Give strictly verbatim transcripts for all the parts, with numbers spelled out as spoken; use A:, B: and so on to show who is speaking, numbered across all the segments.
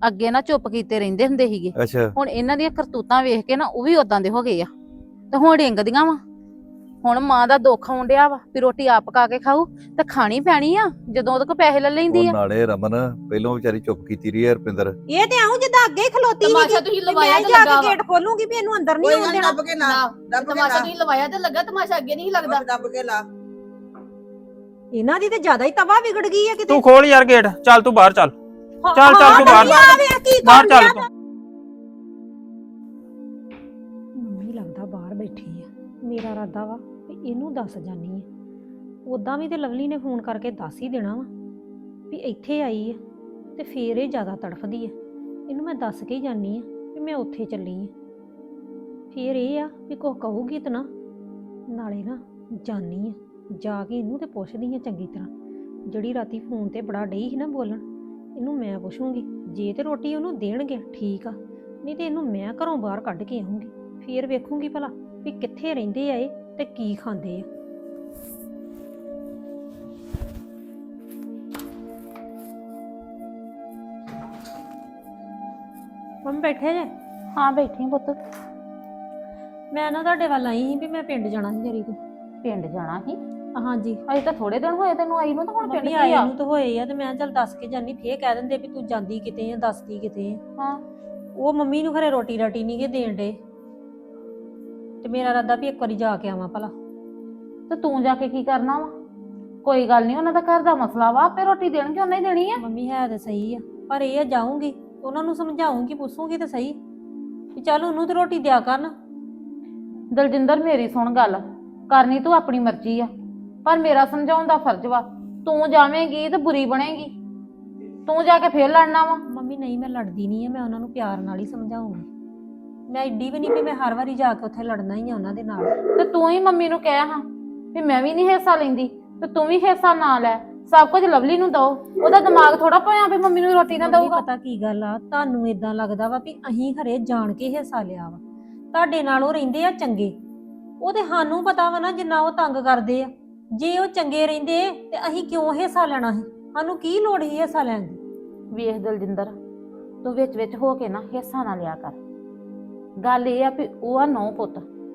A: ਅੱਗੇ ਨਾ ਚੁੱਪ ਕੀਤੇ ਰਹਿੰਦੇ ਹੁੰਦੇ ਸੀਗੇ।
B: ਅੱਛਾ
A: ਹੁਣ ਇਹਨਾਂ ਦੀਆਂ ਕਰਤੂਤਾਂ ਵੇਖ ਕੇ ਨਾ ਉਹ ਵੀ ਉਦਾਂ ਦੇ ਹੋ ਗਏ ਆ ਤੇ ਹੁਣ ਡਿੰਗਦੀਆਂ ਵਾ। ਹੁਣ ਮਾਂ ਦਾ ਦੁੱਖ ਆਉਣ ਡਿਆ ਵਾ ਵੀ ਰੋਟੀ ਆਪ ਪਕਾ ਕੇ ਖਾਊ ਤੇ ਖਾਣੀ ਪੈਣੀ ਆ ਜਦੋਂ ਉਹਦੇ ਕੋਲ ਪੈਸੇ ਲੈ
B: ਉਹ
A: ਲੈਂਦੀ ਆ।
B: ਨਾਲੇ ਰਮਨ ਪਹਿਲੋਂ ਵਿਚਾਰੀ ਚੁੱਪ ਕੀਤੀ ਰਹੀ ਹੈ ਰੁਪਿੰਦਰ।
C: ਇਹ ਤੇ ਆਉਂ ਜਿੱਦਾਂ ਅੱਗੇ ਹੀ ਖਲੋਤੀ ਸੀ
D: ਤਮਾਸ਼ਾ ਤੁਸੀਂ ਲਵਾਇਆ
C: ਮੈਂ
D: ਤੇ
C: ਜਾ
D: ਲੱਗਾ
C: ਕੇ ਗੇਟ ਖੋਲੂੰਗੀ ਵੀ ਇਹਨੂੰ ਅੰਦਰ ਨਹੀਂ
E: ਕੋਈ
C: ਆਉਣ
E: ਗੱਲ
C: ਦੇਣਾ।
E: ਦੱਬ ਕੇ ਲਾ ਦੱਬ ਕੇ
D: ਤਮਾਸ਼ਾ
E: ਲਾ
D: ਤੁਸੀਂ ਲਵਾਇਆ ਤੇ ਲੱਗਾ, ਤਮਾਸ਼ਾ ਅੱਗੇ ਨਹੀਂ ਲੱਗਦਾ।
E: ਦੱਬ ਕੇ ਲਾ।
C: ਇਹਨਾਂ ਦੀ ਤੇ ਜ਼ਿਆਦਾ ਹੀ ਤਵਾ ਵਿਗੜ ਗਈ ਹੈ ਕਿਤੇ।
F: ਤੂੰ ਖੋਲ ਯਾਰ ਗੇਟ, ਚੱਲ ਤੂੰ ਬਾਹਰ ਚੱਲ।
C: ਹਾਂ,
F: ਚੱਲ ਚੱਲ
C: ਹਾਂ,
F: ਤੂੰ ਬਾਹਰ
C: ਆ ਵੇ ਕੀ
F: ਬਾਹਰ
C: ਕਰਨ
F: ਚੱਲ
C: ਡਿਆ
F: ਤੂੰ।
C: ਮੰਮੀ ਲੱਗਦਾ ਬਾਹਰ ਬੈਠੀ ਆ। ਮੇਰਾ ਇਰਾਦਾ ਵਾ ਵੀ ਇਹਨੂੰ ਦੱਸ ਜਾਨੀ ਆ। ਉਦਾਂ ਵੀ ਤੇ ਲਵਲੀ ਨੇ ਫੋਨ ਕਰਕੇ ਦੱਸ ਹੀ ਦੇਣਾ ਵਾ ਵੀ ਇੱਥੇ ਆਈ ਆ ਤੇ ਫੇਰ ਇਹ ਜ਼ਿਆਦਾ ਤੜਫਦੀ ਆ। ਇਹਨੂੰ ਮੈਂ ਦੱਸ ਕੇ ਹੀ ਜਾਨੀ ਆ ਵੀ ਮੈਂ ਉੱਥੇ ਚੱਲੀ ਆ। ਫੇਰ ਇਹ ਆ ਵੀ ਕੁਝ ਕਹੂਗੀ ਤਾਂ ਨਾ, ਨਾਲੇ ਨਾ ਜਾਨੀ ਆ ਜਾ ਕੇ ਇਹਨੂੰ ਤੇ ਪੁੱਛਦੀ ਆ ਚੰਗੀ ਤਰ੍ਹਾਂ। ਜਿਹੜੀ ਰਾਤੀ ਫੋਨ ਤੇ ਬੜਾ ਡਈ ਸੀ ਨਾ ਬੋਲਣ, ਇਹਨੂੰ ਮੈਂ ਪੁੱਛੂੰਗੀ। ਜੇ ਤੇ ਰੋਟੀ ਉਹਨੂੰ ਦੇਣਗੇ ਠੀਕ ਆ, ਨਹੀਂ ਤੇ ਇਹਨੂੰ ਮੈਂ ਘਰੋਂ ਬਾਹਰ ਕੱਢ ਕੇ ਆਉਂਗੀ। ਫੇਰ ਵੇਖੂੰਗੀ ਭਲਾ ਵੀ ਕਿੱਥੇ ਰਹਿੰਦੇ ਆ ਇਹ ਤੇ ਕੀ ਖਾਂਦੇ ਆ। ਮੰਮੀ ਬੈਠੇ ਜੇ?
A: ਹਾਂ ਬੈਠੀ ਪੁੱਤ।
C: ਮੈਂ ਨਾ ਤੁਹਾਡੇ ਵੱਲ ਆਈ ਸੀ ਵੀ ਮੈਂ ਪਿੰਡ ਜਾਣਾ ਸੀ ਜਰੀ ਤੋਂ।
A: ਪਿੰਡ ਜਾਣਾ ਸੀ?
C: ਹਾਂਜੀ
A: ਅਜੇ ਤਾਂ ਥੋੜੇ ਦਿਨ ਹੋਏ ਤੈਨੂੰ ਆਈ ਨੂੰ ਤਾਂ ਹੁਣ ਪਿੰਡ
C: ਮੰਮੀ
A: ਕੀ
C: ਆਈ
A: ਆ?
C: ਨੂੰ ਤਾਂ ਹੋਏ ਆ ਤੇ ਮੈਂ ਚੱਲ ਦੱਸ ਕੇ ਜਾਨੀ। ਫੇਰ ਕਹਿ ਦਿੰਦੇ ਵੀ ਤੂੰ ਜਾਂਦੀ ਕਿਤੇ ਆ, ਦੱਸਦੀ ਕਿਤੇ ਆ।
A: ਹਾਂ
C: ਉਹ ਮੰਮੀ ਨੂੰ ਖਰੇ ਰੋਟੀ ਰਾਟੀ ਨਹੀਂ ਗੇ ਦੇਣ ਡੇ ਤੇ ਮੇਰਾ ਇਰਾਦਾ ਵੀ ਇੱਕ ਵਾਰੀ ਜਾ ਕੇ ਆਵਾਂ ਭਲਾ।
A: ਤੇ ਤੂੰ ਜਾ ਕੇ ਕੀ ਕਰਨਾ ਵਾ? ਕੋਈ ਗੱਲ ਨਹੀਂ, ਉਹਨਾਂ ਦਾ ਘਰ ਦਾ ਮਸਲਾ ਵਾ, ਆਪੇ ਰੋਟੀ ਦੇਣਗੇ ਉਹਨਾਂ ਹੀ ਦੇਣੀ ਆ।
C: ਮੰਮੀ ਹੈ ਤੇ ਸਹੀ ਆ, ਪਰ ਇਹ ਆ ਜਾਊਂਗੀ ਉਹਨਾਂ ਨੂੰ ਸਮਝਾਉਂਗੀ, ਪੁੱਛੂੰਗੀ ਤੇ ਸਹੀ ਵੀ ਚੱਲ ਉਹਨੂੰ ਤੇ ਰੋਟੀ ਦਿਆ ਕਰਨ।
A: ਦਲਜਿੰਦਰ ਮੇਰੀ ਸੁਣ ਗੱਲ, ਕਰਨੀ ਤੂੰ ਆਪਣੀ ਮਰਜ਼ੀ ਆ, ਪਰ ਮੇਰਾ ਸਮਝਾਉਣ ਦਾ ਫਰਜ਼ ਵਾ। ਤੂੰ ਜਾਵੇਂਗੀ ਤੇ ਬੁਰੀ ਬਣੇਗੀ, ਤੂੰ ਜਾ ਕੇ ਫੇਰ ਲੜਨਾ ਵਾ।
C: ਮੰਮੀ ਨਹੀਂ, ਮੈਂ ਲੜਦੀ ਨਹੀਂ ਆ, ਮੈਂ ਉਹਨਾਂ ਨੂੰ ਪਿਆਰ ਨਾਲ ਹੀ ਸਮਝਾਉਂਗੀ। ਮੈਂ ਏਡੀ ਵੀ ਨਹੀਂ ਵੀ ਮੈਂ ਹਰ ਵਾਰੀ ਜਾ ਕੇ ਉੱਥੇ ਲੜਨਾ ਹੀ ਆ ਉਹਨਾਂ ਦੇ ਨਾਲ।
A: ਤੇ ਤੂੰ ਹੀ ਮੰਮੀ ਨੂੰ ਕਹਿ ਹਾਂ ਵੀ ਮੈਂ ਵੀ ਨਹੀਂ ਹਿੱਸਾ ਲੈਂਦੀ ਤੇ ਤੂੰ ਵੀ ਹਿੱਸਾ ਨਾ ਲੈ, ਸਭ ਕੁਝ ਲਵਲੀ ਨੂੰ ਦੋ। ਉਹਦਾ ਦਿਮਾਗ ਥੋੜਾ ਪਿਆ ਵੀ ਮੰਮੀ ਨੂੰ ਰੋਟੀ ਨਾ
C: ਮੰਮੀ
A: ਦਊਗਾ।
C: ਪਤਾ ਕੀ ਗੱਲ ਆ, ਤੁਹਾਨੂੰ ਇਦਾਂ ਲੱਗਦਾ ਵਾ ਵੀ ਅਸੀਂ ਖਰੇ ਜਾਣ ਕੇ ਹਿੱਸਾ ਲਿਆ ਵਾ। ਤੁਹਾਡੇ ਨਾਲ ਉਹ ਰਹਿੰਦੇ ਆ ਚੰਗੇ, ਉਹ ਤੇ ਸਾਨੂੰ ਪਤਾ ਵਾ ਨਾ ਜਿੰਨਾ ਉਹ ਤੰਗ ਕਰਦੇ ਆ। ਜੇ ਉਹ ਚੰਗੇ ਰਹਿੰਦੇ ਤੇ ਅਸੀਂ ਕਿਉਂ ਹਿੱਸਾ ਲੈਣਾ ਸੀ? ਸਾਨੂੰ ਕੀ ਲੋੜ ਸੀ ਹਿੱਸਾ ਲੈਣ ਦੀ?
A: ਵੇਖ ਦਲਜਿੰਦਰ, ਤੂੰ ਵਿੱਚ ਵਿੱਚ ਹੋ ਕੇ ਨਾ ਹਿੱਸਾ ਨਾ ਲਿਆ ਕਰ। ਗੱਲ ਇਹ ਆ ਵੀ ਉਹ ਆ ਨੌ ਪੁੱਤ,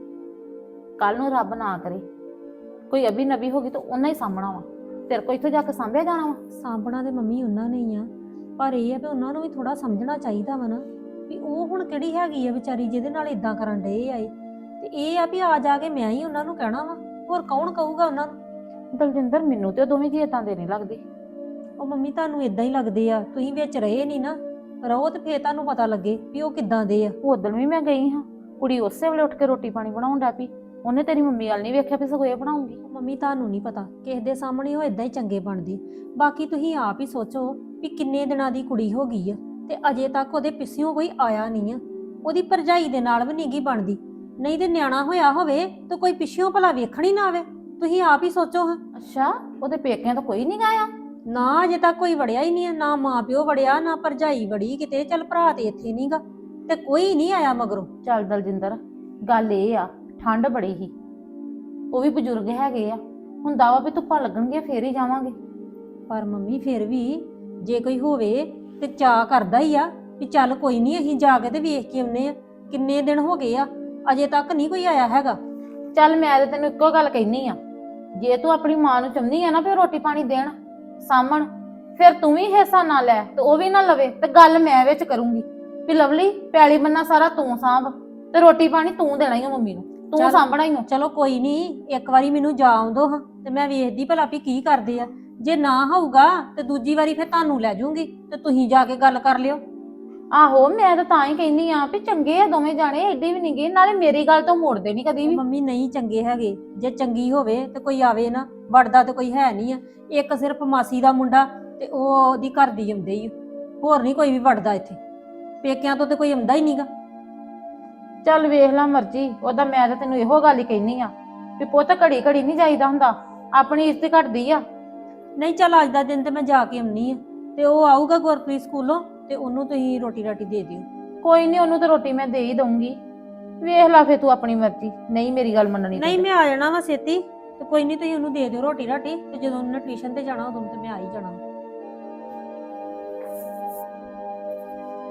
A: ਕੱਲ ਨੂੰ ਰੱਬ ਨਾ ਕਰੇ ਕੋਈ ਅਭੀ ਨਬੀ ਹੋ ਗਈ ਤਾਂ ਉਹਨਾਂ ਹੀ ਸਾਹਮਣਾ ਵਾ। ਤੇਰੇ ਕੋਲ ਇੱਥੇ ਜਾ ਕੇ ਸਾਂਭਿਆ ਜਾਣਾ ਵਾ?
C: ਸਾਂਭਣਾ ਤੇ ਮੰਮੀ ਉਹਨਾਂ ਨੇ ਹੀ ਆ, ਪਰ ਇਹ ਆ ਵੀ ਉਹਨਾਂ ਨੂੰ ਵੀ ਥੋੜਾ ਸਮਝਣਾ ਚਾਹੀਦਾ ਵਾ ਨਾ ਵੀ ਉਹ ਹੁਣ ਕਿਹੜੀ ਹੈਗੀ ਆ ਵਿਚਾਰੀ ਜਿਹਦੇ ਨਾਲ ਇਦਾਂ ਕਰਨ ਡਏ ਆਏ। ਤੇ ਇਹ ਆ ਵੀ ਆ ਜਾ ਕੇ ਮੈਂ ਹੀ ਉਹਨਾਂ ਨੂੰ ਕਹਿਣਾ ਵਾ, ਹੋਰ ਕੌਣ ਕਹੂਗਾ ਉਹਨਾਂ ਨੂੰ?
A: ਦਲਜਿੰਦਰ ਮੈਨੂੰ ਤੇ ਦੋਵੇਂ ਜੀ ਏਦਾਂ ਦੇ ਨਹੀਂ ਲੱਗਦੇ।
C: ਉਹ ਮੰਮੀ ਤੁਹਾਨੂੰ ਇਦਾਂ ਹੀ ਲੱਗਦੇ ਆ, ਤੁਸੀਂ ਵਿੱਚ ਰਹੇ ਨਹੀਂ ਨਾ, ਰਹੋ ਤੇ ਫੇਰ ਤੁਹਾਨੂੰ ਪਤਾ ਲੱਗੇ ਵੀ ਉਹ ਕਿੱਦਾਂ ਦੇ ਆ।
A: ਉਦੋਂ ਵੀ ਮੈਂ ਗਈ ਹਾਂ, ਕੁੜੀ ਉਸੇ ਵੇਲੇ ਉੱਠ ਕੇ ਰੋਟੀ ਪਾਣੀ ਬਣਾਉਣ ਲੱਗ ਪਈ। ਉਹਨੇ ਤੇਰੀ ਮੰਮੀ ਵੱਲ ਨਹੀਂ ਵੇਖਿਆ ਵੀ ਸਗੋਂ ਇਹ ਬਣਾਉਂਗੀ।
C: ਮੰਮੀ ਤੁਹਾਨੂੰ ਨਹੀਂ ਪਤਾ, ਕਿਸੇ ਦੇ ਸਾਹਮਣੇ ਉਹ ਇਦਾਂ ਹੀ ਚੰਗੇ ਬਣਦੇ। ਬਾਕੀ ਤੁਸੀਂ ਆਪ ਹੀ ਸੋਚੋ ਵੀ ਕਿੰਨੇ ਦਿਨਾਂ ਦੀ ਕੁੜੀ ਹੋ ਗਈ ਆ ਤੇ ਅਜੇ ਤੱਕ ਉਹਦੇ ਪਿੱਛੋਂ ਕੋਈ ਆਇਆ ਨਹੀਂ ਆ। ਉਹਦੀ ਭਰਜਾਈ ਦੇ ਨਾਲ ਵੀ ਨੀਗੀ ਬਣਦੀ, ਨਹੀਂ ਤੇ ਨਿਆਣਾ ਹੋਇਆ ਹੋਵੇ ਤਾਂ ਕੋਈ ਪਿੱਛੋਂ ਭਲਾ ਵੇਖਣ ਹੀ ਨਾ ਆਵੇ। ਤੁਸੀਂ ਆਪ ਹੀ ਸੋਚੋ ਹਾਂ।
A: ਅੱਛਾ, ਉਹਦੇ ਪੇਕਿਆਂ ਤੋਂ ਕੋਈ ਨਹੀਂ ਆਇਆ?
C: ਨਾ ਅਜੇ ਤੱਕ ਕੋਈ ਵੜਿਆ ਹੀ ਨਹੀਂ ਆ, ਨਾ ਮਾਂ ਪਿਓ ਵੜਿਆ, ਨਾ ਭਰਜਾਈ ਵੜੀ ਕਿਤੇ। ਚੱਲ ਭਰਾ ਤੇ ਇੱਥੇ ਨਹੀਂਗਾ ਤੇ ਕੋਈ ਨਹੀਂ ਆਇਆ ਮਗਰੋਂ।
A: ਚੱਲ ਦਲਜਿੰਦਰ, ਗੱਲ ਇਹ ਆ ਠੰਡ ਬੜੀ ਹੀ, ਉਹ ਵੀ ਬਜ਼ੁਰਗ ਹੈਗੇ ਆ, ਹੁੰਦਾ ਵਾ ਵੀ ਧੁੱਪਾਂ ਲੱਗਣਗੀਆਂ ਫੇਰ ਹੀ ਜਾਵਾਂਗੇ।
C: ਪਰ ਮੰਮੀ ਫਿਰ ਵੀ ਜੇ ਕੋਈ ਹੋਵੇ ਤੇ ਚਾਅ ਕਰਦਾ ਹੀ ਆ ਵੀ ਚੱਲ ਕੋਈ ਨਹੀਂ ਅਸੀਂ ਜਾ ਕੇ ਤੇ ਵੇਖ ਕੇ ਆਉਨੇ ਆ। ਕਿੰਨੇ ਦਿਨ ਹੋ ਗਏ ਆ, ਅਜੇ ਤੱਕ ਨਹੀਂ ਕੋਈ ਆਇਆ ਹੈਗਾ।
A: ਚੱਲ ਮੈਂ ਤੇ ਤੈਨੂੰ ਇੱਕੋ ਗੱਲ ਕਹਿਨੀ ਆ, ਜੇ ਤੂੰ ਆਪਣੀ ਮਾਂ ਨੂੰ ਚਾਹੁੰਦੀ ਆ ਨਾ ਫਿਰ ਰੋਟੀ ਪਾਣੀ ਦੇਣ ਸਾਂਭਣ, ਫਿਰ ਤੂੰ ਵੀ ਹਿੱਸਾ ਨਾ ਲੈ ਤੇ ਉਹ ਵੀ ਨਾ ਲਵੇ। ਤੇ ਗੱਲ ਮੈਂ ਵਿੱਚ ਕਰੂੰਗੀ ਵੀ ਲਵਲੀ ਪੈਲੀ ਬੰਨਾ ਸਾਰਾ ਤੂੰ ਸਾਂਭ ਤੇ ਰੋਟੀ ਪਾਣੀ ਤੂੰ ਦੇਣਾ ਹੀ ਆ ਮੰਮੀ ਨੂੰ, ਤੂੰ ਸਾਂਭਣਾ ਹੀ ਆ।
C: ਚਲੋ ਕੋਈ ਨਹੀਂ, ਇੱਕ ਵਾਰੀ ਮੈਨੂੰ ਜਾ ਆਉਂਦੋ ਹਾਂ ਤੇ ਮੈਂ ਵੇਖਦੀ ਭਲਾ ਵੀ ਕੀ ਕਰਦੇ ਆ। ਜੇ ਨਾ ਹੋਊਗਾ ਤੇ ਦੂਜੀ ਵਾਰੀ ਫਿਰ ਤੁਹਾਨੂੰ ਲੈ ਜਾਊਂਗੀ ਤੇ ਤੁਸੀਂ ਜਾ ਕੇ ਗੱਲ ਕਰ ਲਿਓ।
A: ਆਹੋ, ਮੈਂ ਤਾਂ ਤਾਂ ਹੀ ਕਹਿੰਦੀ ਆ ਵੀ ਚੰਗੇ ਆ ਦੋਵੇਂ ਜਾਣੇ, ਏਡੀ ਵੀ ਨਹੀਂ ਗਏ। ਨਾਲੇ ਮੇਰੀ ਗੱਲ ਤੋਂ ਮੋੜਦੇ ਨਹੀਂ ਕਦੀ ਵੀ।
C: ਮੰਮੀ ਨਹੀਂ ਚੰਗੇ ਹੈਗੇ, ਜੇ ਚੰਗੀ ਹੋਵੇ ਤੇ ਕੋਈ ਆਵੇ ਨਾ, ਵੜਦਾ ਤੇ ਕੋਈ ਹੈ ਨਹੀਂ ਆ। ਇੱਕ ਸਿਰਫ ਮਾਸੀ ਦਾ ਮੁੰਡਾ ਤੇ ਉਹ ਉਹਦੀ ਘਰ ਦੀ ਆਉਂਦੇ ਹੀ, ਹੋਰ ਨਹੀਂ ਕੋਈ ਵੀ ਵੜਦਾ ਇੱਥੇ। ਪੇਕਿਆਂ ਤੋਂ ਤੇ ਕੋਈ ਆਉਂਦਾ ਹੀ ਨਹੀਂਗਾ।
A: ਚੱਲ ਵੇਖ ਲੈ ਮਰਜ਼ੀ ਉਹਦਾ, ਮੈਂ ਤਾਂ ਤੈਨੂੰ ਇਹੋ ਗੱਲ ਹੀ ਕਹਿਨੀ ਆ ਵੀ ਪੁੱਤ ਘੜੀ ਘੜੀ ਨਹੀਂ ਜਾਈਦਾ ਹੁੰਦਾ, ਆਪਣੀ ਇੱਜ਼ਤ ਘਟਦੀ ਆ।
C: ਨਹੀਂ ਚੱਲ ਅੱਜ ਦਾ ਦਿਨ ਤੇ ਮੈਂ ਜਾ ਕੇ ਆਉਣੀ ਆ, ਤੇ ਉਹ ਆਊਗਾ ਗੁਰਪ੍ਰੀਤ ਸਕੂਲੋਂ ਤੇ ਉਹਨੂੰ ਤੁਸੀਂ ਰੋਟੀ ਰਾਟੀ ਦੇ ਦਿਓ।
A: ਕੋਈ ਨਹੀਂ, ਉਹਨੂੰ ਤਾਂ ਰੋਟੀ ਮੈਂ ਦੇ ਹੀ ਦਊਂਗੀ। ਵੇਖ ਲੈ ਫੇ ਤੂੰ ਆਪਣੀ ਮਰਜ਼ੀ, ਨਹੀਂ ਮੇਰੀ ਗੱਲ ਮੰਨਣੀ।
C: ਨਹੀਂ ਮੈਂ ਆ ਜਾਣਾ ਵਾ ਛੇਤੀ, ਤੇ ਕੋਈ ਨਹੀਂ ਤੁਸੀਂ ਉਹਨੂੰ ਦੇ ਦਿਓ ਰੋਟੀ ਰਾਟੀ, ਤੇ ਜਦੋਂ ਉਹਨੇ ਟਿਊਸ਼ਨ ਤੇ ਜਾਣਾ ਉਦੋਂ ਤੇ ਮੈਂ ਆ ਹੀ ਜਾਣਾ।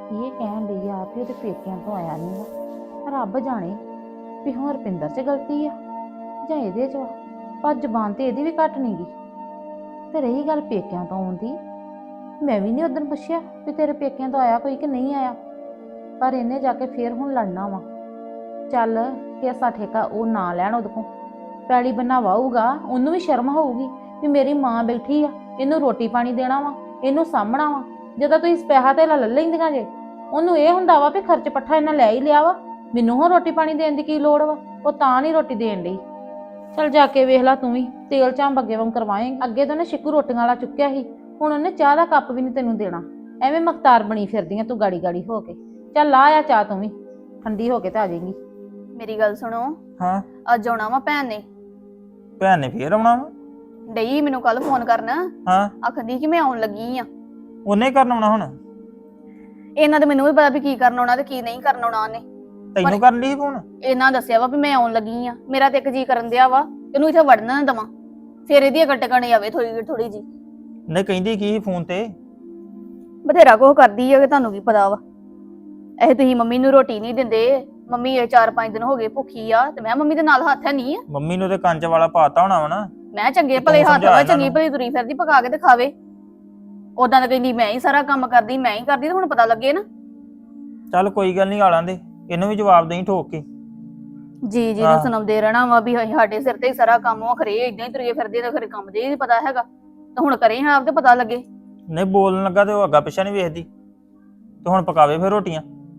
A: ਇਹ ਕਹਿਣ ਲਈ ਆ ਵੀ ਉਹਦੇ ਪੇਕਿਆਂ ਤੋਂ ਆਇਆ ਨਹੀਂ ਵਾ। ਰੱਬ ਜਾਣੇ ਵੀ ਹੁਣ ਰੁਪਿੰਦਰ 'ਚ ਗਲਤੀ ਆ ਜਾਂ ਇਹਦੇ 'ਚ ਵਾ, ਪਰ ਜ਼ਬਾਨ ਤੇ ਇਹਦੀ ਵੀ ਘੱਟ ਨਹੀਂ ਗਈ। ਤੇ ਰਹੀ ਗੱਲ ਪੇਕਿਆਂ ਤੋਂ ਆਉਣ ਦੀ, ਮੈਂ ਵੀ ਨਹੀਂ ਉਦੋਂ ਪੁੱਛਿਆ ਵੀ ਤੇਰੇ ਪੇਕਿਆਂ ਤੋਂ ਆਇਆ ਕੋਈ ਕਿ ਨਹੀਂ ਆਇਆ, ਪਰ ਇਹਨੇ ਜਾ ਕੇ ਫੇਰ ਹੁਣ ਲੜਨਾ ਵਾ। ਚੱਲ ਕੇਸਾ ਠੇਕਾ ਉਹ ਨਾ ਲੈਣ ਉਹਦੇ ਕੋਲ, ਪੈਲੀ ਬੰਨਾ ਵਾਹੂਗਾ, ਉਹਨੂੰ ਵੀ ਸ਼ਰਮ ਹੋਊਗੀ ਵੀ ਮੇਰੀ ਮਾਂ ਬੈਠੀ ਆ, ਇਹਨੂੰ ਰੋਟੀ ਪਾਣੀ ਦੇਣਾ ਵਾ, ਇਹਨੂੰ ਸਾਂਭਣਾ ਵਾ। ਜਦੋਂ ਤੁਸੀਂ ਪੈਸਾ ਤੇ ਲੈ ਲੈਂਦੀਆਂ ਜੇ, ਉਹਨੂੰ ਇਹ ਹੁੰਦਾ ਵਾ ਵੀ ਖਰਚ ਪੱਠਾ ਇਹਨਾਂ ਲੈ ਹੀ ਲਿਆ ਵਾ, ਮੈਨੂੰ ਹੁਣ ਰੋਟੀ ਪਾਣੀ ਦੇਣ ਦੀ ਕੀ ਲੋੜ ਵਾ। ਉਹ ਤਾਂ ਨਹੀਂ ਰੋਟੀ ਦੇਣ ਲਈ। ਚੱਲ ਜਾ ਕੇ ਵੇਖ ਲਾ ਤੂੰ ਵੀ, ਤੇਲ ਝਾਂਬ ਅੱਗੇ ਵਾਂਗ ਕਰਵਾਏਂਗੀ। ਅੱਗੇ ਤਾਂ ਉਹਨੇ ਸ਼ਿਕੂ ਰੋਟੀਆਂ ਵਾਲਾ ਚੁੱਕਿਆ ਸੀ, ਹੁਣ ਉਹਨੇ ਚਾਹ ਦਾ ਕੱਪ ਵੀ ਨਹੀਂ ਤੈਨੂੰ ਦੇਣਾ। ਐਵੇਂ ਮਖਤਾਰ ਬਣੀ ਫਿਰਦੀਆਂ ਤੂੰ ਗਾੜੀ ਗਾੜੀ ਹੋ ਕੇ। ਚੱਲ ਲਾ ਆ ਚਾਹ ਤੂੰ ਵੀ, ਠੰਡੀ ਹੋ ਕੇ ਤੇ ਆ ਜਾਏਗੀ।
D: ਮੇਰੀ ਗੱਲ ਸੁਣੋ,
F: ਹਾਂ
D: ਅੱਜ ਆਉਣਾ ਵਾ ਭੈਣ ਨੇ।
F: ਭੈਣ ਨੇ ਫੇਰ ਆਉਣਾ ਵਾ?
D: ਡਈ ਮੈਨੂੰ ਕੱਲ ਫੋਨ ਕਰਨ,
F: ਹਾਂ
D: ਆਖਦੀ ਕਿ ਮੈਂ ਆਉਣ ਲੱਗੀ ਆ।
F: ਉਹਨੇ ਕਰਨ ਆਉਣਾ ਹੁਣ?
D: ਇਹਨਾਂ ਦੇ ਮੈਨੂੰ ਵੀ ਪਤਾ ਵੀ ਕੀ ਕਰਨ ਆਉਣਾ ਤੇ ਕੀ ਨਹੀਂ ਕਰਨ ਆਉਣਾ ਉਹਨੇ।
F: ਤੈਨੂੰ ਕਰਨ ਲਈ ਫੋਨ?
D: ਇਹਨਾਂ ਦੱਸਿਆ ਵਾ ਵੀ ਮੈਂ ਆਉਣ ਲੱਗੀ ਆ। ਮੇਰਾ ਤੇ ਇੱਕ ਜੀ ਕਰਨ ਦਿਆ ਵਾ ਇਹਨੂੰ ਇੱਥੇ ਵੜਨ ਨਾ ਦਵਾਂ, ਫੇਰ ਇਹਦੀ ਅਕਲ ਟਿਕਾਣੇ ਆਵੇ ਥੋੜੀ ਥੋੜੀ ਜੀ।
F: ਨਹੀਂ ਕਹਿੰਦੀ ਕੀ ਫੋਨ ਤੇ?
D: ਬਥੇਰਾ ਕੁਝ ਕਰਦੀ ਆ ਕਿ ਤੁਹਾਨੂੰ ਕੀ ਪਤਾ ਵਾ। ਇਹ ਤੁਸੀਂ ਮੰਮੀ ਨੂੰ ਰੋਟੀ ਨਹੀਂ ਦਿੰਦੇ, ਮੰਮੀ ਇਹ ਚਾਰ ਪੰਜ ਦਿਨ ਹੋ ਗਏ ਭੁੱਖੀ ਆ, ਤੇ ਮੈਂ ਮੰਮੀ ਦੇ ਨਾਲ ਹੱਥ ਹੈ ਨਹੀਂ ਆ।
F: ਮੰਮੀ ਨੂੰ ਤੇ ਕੰਚ ਵਾਲਾ ਪਾਤਾ ਹੋਣਾ ਵਾ ਨਾ।
D: ਮੈਂ ਚੰਗੇ
F: ਤੂੰ
D: ਭਲੇ ਹੱਥ
F: ਸਮਝਾ
D: ਵਾ,
F: ਇਹਨਾਂ
D: ਚੰਗੀ
F: ਨੂੰ।
D: ਭਲੀ ਤੁਰੀ ਫਿਰਦੀ, ਪਕਾ ਕੇ ਤੇ ਖਾਵੇ। ਉਦਾਂ ਤਾਂ ਕਹਿੰਦੀ ਮੈਂ ਹੀ ਸਾਰਾ ਕੰਮ ਕਰਦੀ, ਮੈਂ ਹੀ ਕਰਦੀ, ਤੇ ਹੁਣ ਪਤਾ ਲੱਗੇ ਨਾ।
F: ਚੱਲ ਕੋਈ ਗੱਲ ਨਹੀਂ, ਆਲਾਂ ਦੇ ਇਹਨੂੰ ਵੀ ਜਵਾਬ ਦੇਈ ਠੋਕ ਕੇ।
D: ਜੀ ਜੀ
F: ਹਾਂ।
D: ਨੂੰ ਸੁਣਾਉਂਦੇ ਰਹਿਣਾ ਵਾ ਵੀ ਅਸੀਂ ਸਾਡੇ ਸਿਰ ਤੇ ਹੀ ਸਾਰਾ ਕੰਮ ਉਹ ਖਰੇ ਇਦਾਂ ਹੀ ਤੁਰੇ ਫਿਰਦੇ ਤੇ ਖਰੇ ਕੰਮ ਦੇ ਹੀ ਨਹੀਂ ਪਤਾ ਹੈਗਾ। ਤਾਂ ਹੁਣ ਕਰੇ ਹਾਂ ਆਪ ਤੇ ਪਤਾ ਲੱਗੇ।
F: ਨਹੀਂ ਬੋਲਣ ਲੱਗਾ ਤੇ ਉਹ ਅੱਗਾ ਪਿੱਛਾ ਨਹੀਂ ਵੇਖਦੀ, ਤੇ ਹੁਣ ਪਕਾਵੇ ਫਿਰ ਰੋਟੀਆਂ।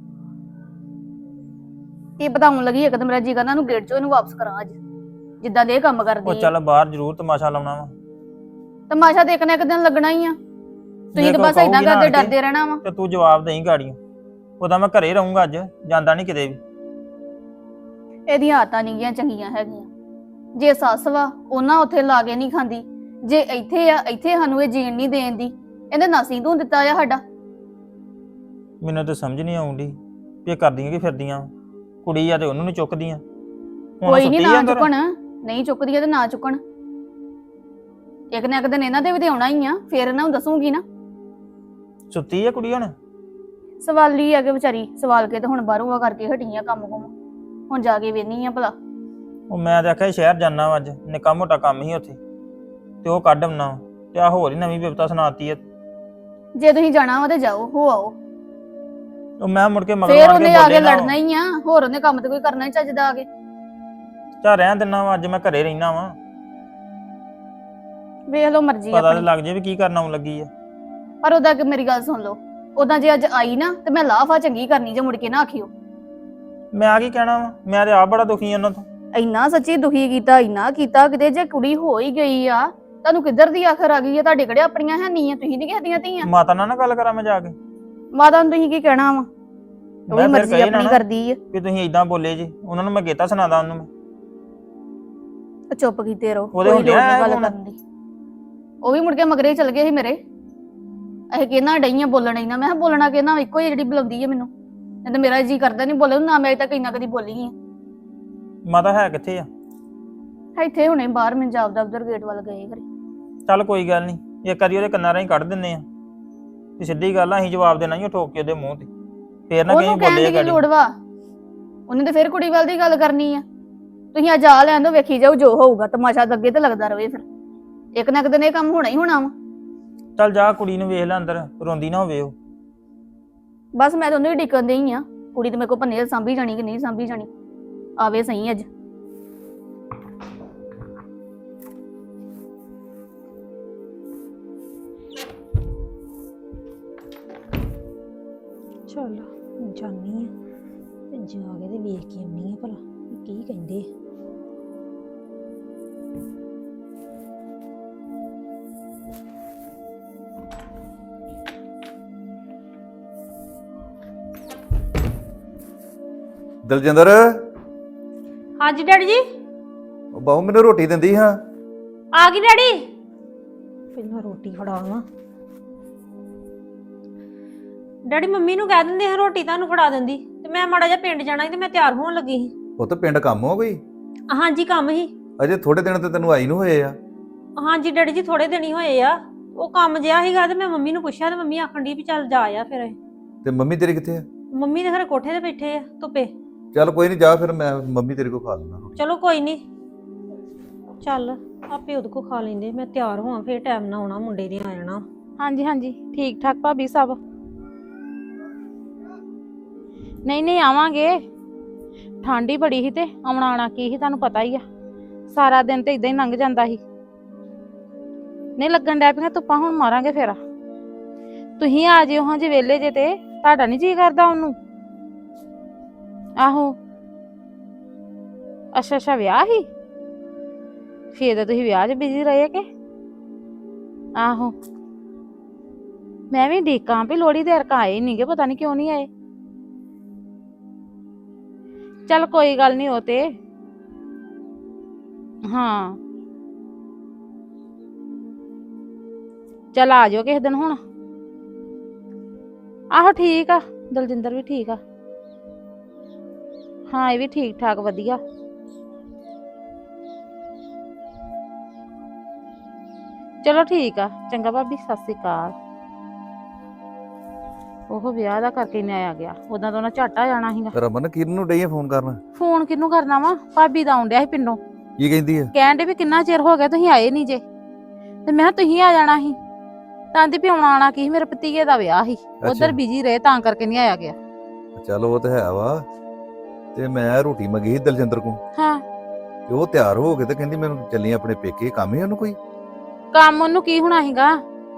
D: ਇਹ ਬਤਾਉਣ ਲੱਗੀ ਇੱਕ ਤਾਂ ਮੇਰਾ ਜੀ ਕਰਦਾ ਨੂੰ ਗੇਟ ਚੋਂ ਇਹਨੂੰ ਵਾਪਸ ਕਰਾਂ ਅੱਜ, ਜਿੱਦਾਂ ਦੇ ਇਹ ਕੰਮ
F: ਉਹ
D: ਕਰਦੀ ਆ।
F: ਚੱਲ ਬਾਹਰ ਜ਼ਰੂਰ ਤਮਾਸ਼ਾ ਲਾਉਣਾ ਵਾ।
D: ਤਮਾਸ਼ਾ ਦੇਖਣਾ ਇੱਕ ਦਿਨ ਲੱਗਣਾ ਹੀ ਆ। ਤੁਸੀਂ
F: ਜੇ
D: ਤਾਂ
F: ਕੋਈ
D: ਬਸ ਏਦਾਂ
F: ਕਹੂਗੀ ਨਾ
D: ਕਰਦੇ
F: ਆਣ ਕੇ,
D: ਡਰਦੇ ਰਹਿਣਾ ਵਾ।
F: ਤੇ ਤੂੰ ਜਵਾਬ ਦੇਈ ਗਾੜੀਆਂ। ਉਹਦਾ ਮੈਂ ਘਰੇ ਰਹੂੰਗਾ ਅੱਜ, ਜਾਂਦਾ ਨਹੀਂ ਕਿਤੇ ਵੀ।
D: ਇਹਦੀਆਂ ਆਦਤਾਂ ਨਹੀਂ ਗੀਆਂ ਚੰਗੀਆਂ ਹੈਗੀਆਂ। ਜੇ ਸੱਸ ਵਾ ਉਹਨਾਂ ਉੱਥੇ ਲਾ ਕੇ ਨਹੀਂ ਖਾਂਦੀ, ਜੇ ਇੱਥੇ ਆ ਇੱਥੇ ਸਾਨੂੰ ਇਹ ਜੀਣ ਨਹੀਂ ਦੇਣ ਦੀ। ਇਹਨੇ ਨਾਸੀ ਤੂੰ ਦਿੱਤਾ ਆ ਸਾਡਾ।
F: ਮੈਨੂੰ ਤਾਂ ਸਮਝ ਨਹੀਂ ਆਉਂਦੀ ਵੀ ਇਹ ਕਰਦੀਆਂ ਕੀ ਫਿਰਦੀਆਂ ਵਾਂ। ਕੁੜੀ ਆ ਤੇ ਉਹਨੂੰ ਨੀ ਚੁੱਕਦੀਆਂ। ਹੁਣ
D: ਕੋਈ ਨਹੀਂ
F: ਸੁੱਤੀ
D: ਨਾ
F: ਆ ਅੰਦਰ।
D: ਚੁੱਕਣ, ਨਹੀਂ ਚੁੱਕਦੀ ਤੇ ਨਾ ਚੁੱਕਣ। ਇੱਕ ਨਾ ਇੱਕ ਦਿਨ ਇਹਨਾਂ ਦੇ ਵੀ ਤੇ ਆਉਣਾ ਹੀ ਆ, ਫੇਰ ਇਹਨਾਂ ਨੂੰ ਦੱਸੂਗੀ ਨਾ।
F: ਸੁੱਤੀ ਆ ਕੁੜੀ ਹੁਣ?
D: ਸਵਾਲੀ ਆ ਕਿ ਵਿਚਾਰੀ ਸਵਾਲ ਕੇ ਤੇ ਹੁਣ ਬਾਹਰੋਂ ਆ ਕਰਕੇ ਹਟੀਆਂ ਕੰਮ ਕੁਮ। ਹੁਣ ਜਾ ਕੇ ਵੇਖਨੀ ਆ ਭਲਾ।
F: ਉਹ ਮੈਂ ਤਾਂ ਆਖਿਆ ਸ਼ਹਿਰ ਜਾਣਾ ਵਾ ਅੱਜ, ਨਿੱਕਾ ਮੋਟਾ ਕੰਮ ਹੀ ਉੱਥੇ, ਤੇ ਉਹ ਕੱਢ ਆਉਣਾ ਵਾ। ਤੇ ਆ ਹੋਰ ਹੀ ਨਵੀਂ ਬਿਪਤਾ ਸੁਣਾਤੀ ਆ।
D: ਜੇ ਤੁਸੀਂ ਜਾਣਾ ਵਾ ਤੇ ਜਾਓ, ਹੋ ਆਓ।
F: ਉਹ ਮੈਂ ਮੁੜ ਕੇ ਮਗਰ
D: ਫੇਰ
F: ਮਾਰ
D: ਉਹਨੇ
F: ਕੇ
D: ਆ
F: ਬੋਲੇ
D: ਕੇ
F: ਨਾ।
D: ਲੜਨਾ ਹੀ ਆ, ਹੋਰ ਉਹਨੇ ਕੰਮ ਤੇ ਕੋਈ ਕਰਨਾ ਹੀ ਚੱਜਦਾ ਆ ਕੇ।
F: ਚਾ ਰਹਿਣ ਦਿੰਨਾ ਵਾ, ਅੱਜ ਮੈਂ ਘਰੇ ਰਹਿਣਾ ਵਾ।
D: ਵੇਖ ਲਓ ਮਰਜ਼ੀ
F: ਪਤਾ ਤੇ
D: ਆਪਣੀ।
F: ਲੱਗ ਜੇ ਵੀ ਕੀ ਕਰਨ ਆਉਣ ਲੱਗੀ ਆ।
D: ਪਰ ਉਹਦਾ ਕਿ ਮੇਰੀ ਗੱਲ ਸੁਣ ਲਓ, ਉਦਾਂ ਜੇ ਅੱਜ ਆਈ ਨਾ ਤੇ ਮੈਂ ਲਾਫਾ ਚੰਗੀ ਕਰਨੀ ਜੇ ਮੁੜ ਕੇ ਨਾ ਆਖਿਓ।
F: ਮੈਂ ਆ ਕੀ ਕਹਿਣਾ ਵਾ, ਮੈਂ ਤੇ ਆਪ ਬੜਾ ਦੁਖੀ ਆ ਉਹਨਾਂ ਤੋਂ।
D: ਇੰਨਾ ਸੱਚੀ ਦੁਖੀ ਕੀਤਾ, ਇੰਨਾ ਕੀਤਾ, ਕਿਤੇ ਜੇ ਕੁੜੀ ਹੋ ਹੀ ਗਈ ਆ, ਤੁਹਾਨੂੰ ਕਿੱਧਰ ਦੀ ਆਖਰ ਆ ਗਈ ਆ? ਤੁਹਾਡੇ ਕਿਹੜੇ ਆਪਣੀਆਂ ਹੈ ਨਹੀਂ ਆ, ਤੁਸੀਂ ਨਹੀਂ ਕਹਦੀਆਂ ਧੀਆਂ।
F: ਮਾਤਾ ਨਾਲ ਨਾ ਗੱਲ ਕਰਾਂ ਮੈਂ ਜਾ ਕੇ?
D: ਮਾਤਾ ਨੂੰ ਤੁਸੀਂ ਕੀ ਕਹਿਣਾ ਵਾ? ਉਹ ਵੀ
F: ਮੈਂ ਫਿਰ
D: ਮਰਜ਼ੀ
F: ਕਹੀ ਨਾ
D: ਆਪਣੀ
F: ਨਾ
D: ਕਰਦੀ ਆ।
F: ਵੀ ਤੁਸੀਂ ਇਦਾਂ ਬੋਲੇ ਜੀ, ਉਹਨਾਂ ਨੂੰ ਮੈਂ ਗੇਤਾ ਸੁਣਾਦਾ ਉਹਨੂੰ ਮੈਂ।
D: ਉਹ ਚੁੱਪ ਕੀਤੇ ਰਹੋ,
F: ਉਹਦੇ
D: ਕੋਈ
F: ਹੁੰਦੇ
D: ਲੋੜ
F: ਆ
D: ਨਹੀਂ ਗੱਲ
F: ਹੁਣ।
D: ਕਰਨ ਦੀ। ਉਹ ਵੀ ਮੁੜ ਕੇ ਮਗਰੇ ਚਲ ਗਏ ਸੀ ਮੇਰੇ। ਇਹ ਕਿਹਨਾਂ ਡਈਆਂ ਬੋਲਣ ਇਹਨਾਂ, ਮੈਂ ਕਿਹਾ ਬੋਲਣਾ ਕਿਹਨਾਂ, ਇੱਕੋ ਹੀ ਜਿਹੜੀ ਬੁਲਾਉਂਦੀ ਹੈ ਮੈਨੂੰ। ਨਹੀਂ ਤਾਂ ਮੇਰਾ ਜੀ ਕਰਦਾ ਨਹੀਂ ਬੋਲੇ ਨਾ, ਮੈਂ ਅਜੇ ਤੱਕ ਇੰਨਾ ਕਦੀ ਬੋਲੀ ਆ।
F: ਮਾਤਾ ਹੈ ਕਿੱਥੇ ਆ?
D: ਇੱਥੇ ਹੁਣੇ ਬਾਹਰ ਪੰਜਾਬ ਦਾ ਉਧਰ ਗੇਟ ਵੱਲ ਗਏ ਘਰੇ।
F: ਚੱਲ ਕੋਈ ਗੱਲ ਨਹੀਂ, ਇੱਕ ਵਾਰੀ ਉਹਦੇ ਕੰਨਾਂ ਰਾਹੀਂ ਕੱਢ ਦਿੰਨੇ ਆ ਤੇ ਸਿੱਧੀ ਗੱਲ ਆ, ਅਸੀਂ ਜਵਾਬ ਦੇਣਾ ਹੀ ਉਹ ਠੋਕ ਕੇ ਉਹਦੇ ਮੂੰਹ ਤੇ। ਫੇਰ ਨਾ ਕਹੀਂ
D: ਉਹਨੂੰ ਕਹਿਣ
F: ਬੋਲੇ
D: ਦੀ ਕੀ
F: ਗਾੜੀ।
D: ਲੋੜ ਵਾ? ਉਹਨੇ ਤੇ ਫਿਰ ਕੁੜੀ ਵੱਲ ਦੀ ਗੱਲ ਕਰਨੀ ਆ। ਤੁਸੀਂ ਅੱਜ ਆ ਲੈਣ ਦੋ, ਵੇਖੀ ਜਾਓ ਜੋ ਹੋਊਗਾ। ਤਮਾਸ਼ਾ ਤਾਂ ਅੱਗੇ ਤੇ ਲੱਗਦਾ ਰਵੇ, ਫਿਰ ਇੱਕ ਨਾ ਇੱਕ ਦਿਨ ਇਹ ਕੰਮ ਹੋਣਾ ਹੀ ਹੋਣਾ ਵਾ।
F: ਚੱਲ ਜਾ ਕੁੜੀ ਨੂੰ ਵੇਖ ਲੈ ਅੰਦਰ, ਰੋਂਦੀ ਨਾ ਹੋਵੇ ਉਹ।
D: ਬਸ ਮੈਂ ਤਾਂ ਉਹਨੂੰ ਹੀ ਡਿੱਕਣ ਦੇਈ ਆ। ਕੁੜੀ ਤੇ ਮੇਰੇ ਕੋਲ ਭੰਨੇ ਸਾਂਭੀ ਜਾਣੀ ਕਿ ਨਹੀਂ ਸਾਂਭੀ ਜਾਣੀ, ਆਵੇ ਸਹੀ ਅੱਜ।
C: ਚੱਲ ਜਾਨੀ ਆ ਤੇ ਜਾ ਕੇ ਤੇ ਵੇਖ ਕੇ ਆਉਣੀ ਆ ਭਲਾ ਵੀ ਕੀ ਕਹਿੰਦੇ।
B: ਦਲਜਿੰਦਰ,
C: ਹਾਂਜੀ ਡੈਡੀ ਜੀ।
B: ਉਹ ਬਾਹੂ ਮੈਨੂੰ ਰੋਟੀ ਦਿੰਦੀ ਹਾਂ।
C: ਆ ਗਈ ਡੈਡੀ। ਪਹਿਲਾਂ ਰੋਟੀ ਫੜਾਵਾਂ। ਡੈਡੀ ਮੰਮੀ ਨੂੰ ਕਹਿ ਦਿੰਦੇ ਹਾਂ ਰੋਟੀ ਤੁਹਾਨੂੰ ਫੜਾ ਦਿੰਦੀ, ਤੇ ਮੈਂ ਮਾੜਾ ਜਿਹਾ ਪਿੰਡ ਜਾਣਾ ਸੀ ਤੇ ਮੈਂ ਤਿਆਰ ਹੋਣ ਲੱਗੀ ਸੀ।
B: ਉਹ ਤਾਂ ਪਿੰਡ ਕੰਮ ਹੋ ਗਈ।
C: ਹਾਂਜੀ ਕੰਮ ਸੀ।
B: ਅਜੇ ਥੋੜੇ ਦਿਨ ਤੇ ਤੈਨੂੰ ਆਈ ਨੂੰ ਹੋਏ ਆ।
C: ਹਾਂਜੀ ਡੈਡੀ ਜੀ ਥੋੜੇ ਦਿਨ ਹੀ ਹੋਏ ਆ। ਉਹ ਕੰਮ ਜਿਹਾ ਸੀਗਾ ਤੇ ਮੈਂ ਮੰਮੀ ਨੂੰ ਪੁੱਛਿਆ ਤੇ ਮੰਮੀ ਆਖਣ ਦੀ ਵੀ ਚੱਲ ਜਾ ਆ ਫਿਰ।
B: ਤੇ ਮੰਮੀ ਤੇਰੀ ਕਿੱਥੇ ਆ?
C: ਮੰਮੀ ਦੇ ਘਰੇ ਕੋਠੇ ਤੇ ਬੈਠੇ ਆ ਧੁੱਪੇ।
B: ਚੱਲ ਕੋਈ ਨਹੀਂ, ਜਾ ਫਿਰ ਮੈਂ ਮੰਮੀ ਤੇਰੇ ਕੋਲ ਖਾ ਲੈਣਾ ਰੋਟੀ।
C: ਚਲੋ ਕੋਈ ਨਹੀਂ, ਚੱਲ ਆਪੇ ਉਹਦੇ ਕੋ ਖਾ ਲੈਂਦੇ, ਮੈਂ ਤਿਆਰ ਹੋਵਾਂ ਫੇਰ ਟਾਈਮ ਨਾਲ ਆਉਣਾ, ਮੁੰਡੇ ਨੇ ਆ ਜਾਣਾ।
A: ਹਾਂਜੀ ਹਾਂਜੀ ਠੀਕ ਠਾਕ ਭਾਬੀ ਸਭ। ਨਹੀਂ ਨਹੀਂ ਆਵਾਂਗੇ, ਠੰਡ ਹੀ ਬੜੀ ਸੀ ਤੇ ਆਉਣਾ ਆਣਾ ਕੀ ਸੀ ਤੁਹਾਨੂੰ ਪਤਾ ਹੀ ਆ, ਸਾਰਾ ਦਿਨ ਤੇ ਇਦਾਂ ਹੀ ਲੰਘ ਜਾਂਦਾ ਸੀ। ਨਹੀਂ ਲੱਗਣ ਡੈ ਪਈਆਂ ਧੁੱਪਾਂ, ਹੁਣ ਮਾਰਾਂਗੇ ਫੇਰ। ਤੁਸੀਂ ਆ ਜਿਓ ਹਾਂ ਜੇ ਵਿਹਲੇ ਜੇ, ਤੇ ਤੁਹਾਡਾ ਨਹੀਂ ਜੀ ਕਰਦਾ ਉਹਨੂੰ? ਆਹੋ ਅੱਛਾ ਅੱਛਾ ਵਿਆਹ ਹੀ, ਫੇਰ ਤਾਂ ਤੁਸੀਂ ਵਿਆਹ 'ਚ ਬਿਜ਼ੀ ਰਹੇ ਕਿ? ਆਹੋ ਮੈਂ ਵੀ ਡੀਕਾਂ ਵੀ ਲੋਹੜੀ ਦੇ ਅਰਕਾ ਆਏ ਨਹੀਂਗੇ, ਪਤਾ ਨਹੀਂ ਕਿਉਂ ਨਹੀਂ ਆਏ। ਚੱਲ ਕੋਈ ਗੱਲ ਨਹੀਂ, ਉਹ ਤੇ ਹਾਂ ਚੱਲ ਆ ਜਾਓ ਕਿਸੇ ਦਿਨ ਹੁਣ। ਆਹੋ ਠੀਕ ਆ, ਦਲਜਿੰਦਰ ਵੀ ਠੀਕ ਆ, ਹਾਂ ਇਹ ਵੀ ਠੀਕ ਠਾਕ ਵਧੀਆ। ਚਲੋ ਠੀਕ ਆ, ਚੰਗਾ ਭਾਬੀ, ਸਤਿ ਸ੍ਰੀ ਅਕਾਲ। ਉਹ ਵਿਆਹ ਦਾ ਕਰਕੇ ਨਹੀਂ ਆਇਆ ਗਿਆ, ਉਦਾਂ ਤਾਂ ਉਹਨਾਂ ਝੱਟ ਆ ਜਾਣਾ ਸੀਗਾ।
B: ਰਮਨ ਕਿਰਨ ਨੂੰ ਡਈ ਆ ਫੋਨ ਕਰਨ?
A: ਫੋਨ ਕਿਹਨੂੰ ਕਰਨਾ ਵਾ, ਭਾਬੀ ਦਾ ਆਉਣ ਡਿਆ ਸੀ ਪਿੰਡੋਂ।
B: ਕੀ ਕਹਿੰਦੀ ਆ?
A: ਕਹਿਣ ਡੇ ਵੀ ਕਿੰਨਾ ਚਿਰ ਹੋ ਗਿਆ ਤੁਸੀਂ ਆਏ ਨਹੀਂ ਜੇ, ਤੇ ਮੈਂ ਕਿਹਾ ਤੁਸੀਂ ਆ ਜਾਣਾ ਸੀ। ਤਾਂ ਦੀ ਪਿਉਣਾ ਆਣਾ ਕੀ, ਮੇਰੇ ਭਤੀਜੇ ਦਾ ਵਿਆਹ ਸੀ, ਉਧਰ ਬਿਜੀ ਰਹੇ ਤਾਂ ਕਰਕੇ ਨਹੀਂ ਆਇਆ ਗਿਆ।
B: ਚੱਲ ਉਹ ਤੇ ਹੈ ਵਾ, ਤੇ ਮੈਂ ਰੋਟੀ ਮੰਗੀ ਸੀ ਦਲਜਿੰਦਰ ਕੋਲ।
A: ਹਾਂ
B: ਤੇ ਉਹ ਤਿਆਰ ਹੋ ਕੇ ਤੇ ਕਹਿੰਦੀ ਮੈਨੂੰ ਚੱਲੀ ਆਪਣੇ ਪੇਕੇ, ਕੰਮ ਹੀ ਉਹਨੂੰ ਕੋਈ?
A: ਕੰਮ ਉਹਨੂੰ ਕੀ ਹੋਣਾ ਸੀਗਾ,